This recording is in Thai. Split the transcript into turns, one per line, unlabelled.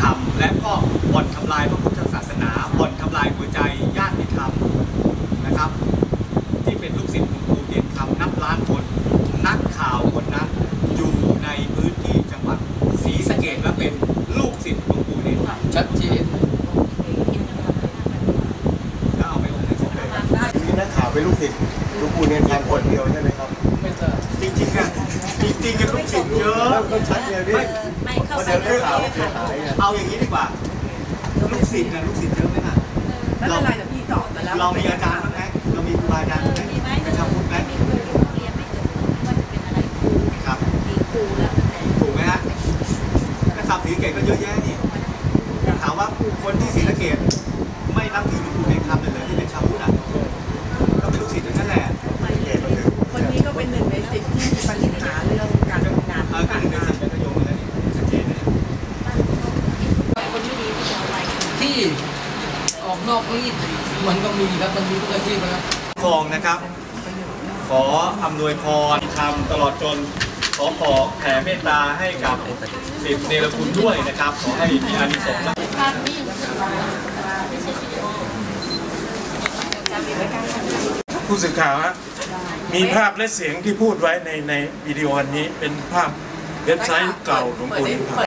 รรมและก็บ่อนทำลายพระพุทธศาสนาบ่อนทำลายหัวใจญาติธรรมนะครับที่เป็นลูกศิษย์หลวงปู่เด่นคำนับล้านคนนักข่าวคนนั้นอยู่ในพื้นที่จังหวัดศรีสะเกษและเป็นลูกศิษย์หลวงปู่เด่นคำ
ชัดเจน
แล้วเอาไปลงในสมุดเลย
มีนักข่าวเป็นลูกศิษย์หลวงปู่เนรคำคนเดียวใช่ไหมครับ
ไม่ใช่
จริงๆอะจริงๆลูกศิษย์เยอะ
ต้องชัดเลยพี่
ไม่เข้า
เพราะ
ใจ
เดี๋ยวข่าวเสียหายไง
เอาอย่างนี้ดีกว่าลูกศิษย์นะลูกศิษย์เยอะไหมล่ะ
ไม่เป็นไรเดี๋ยวพี่ตอบไปแล้ว
เรามีอาจารย์บ้างไหมเรามีครูบาอาจารย์บ้างไหม
มีไหม
เป็นชาวพุทธไหม
มีครูเรียนไม่จบว่าจะเป็นอะไรครู
ครับ
มีครูแล้วแต่
ถูกไหมฮะนะครับศรีสะเกษก็เยอะแยะนี่ถามว่าคนที่ศรีสะเกษไม่นับถือหลวงปู่เนรคำเลยที่เป็นชาวพุทธอ่ะก็เป็นลูกศิษย์ทั้งนั้นแหละ
คนนี้ก็เป็นหนึ่งใน10ที่มีปัญหาเรื่องการทำงาน
ก็หนึ่งในสิบเป็นประโยชน์แล้วนี่ชัดเจนเลย
คนไม่ดีที่จะเอาไว้
ที่ออกนอกรีดมันก็มีครับมันมีทุกอาชีพนะครับ
ครองนะครับ ขออำนวยพรทำตลอดจนขอแผ่เมตตาให้กับศิษย์เนรคุณด้วยนะครับขอให้มีอานิสงส์
ภาพนิ่งไม่ใช่วิดีโอการมีไว้การทำ
ผู้สื่อข่าวฮะมีภาพและเสียงที่พูดไว้ในวิดีโออันนี้เป็นภาพเว็บไซต์เก่าหลวงปู่เนรคำ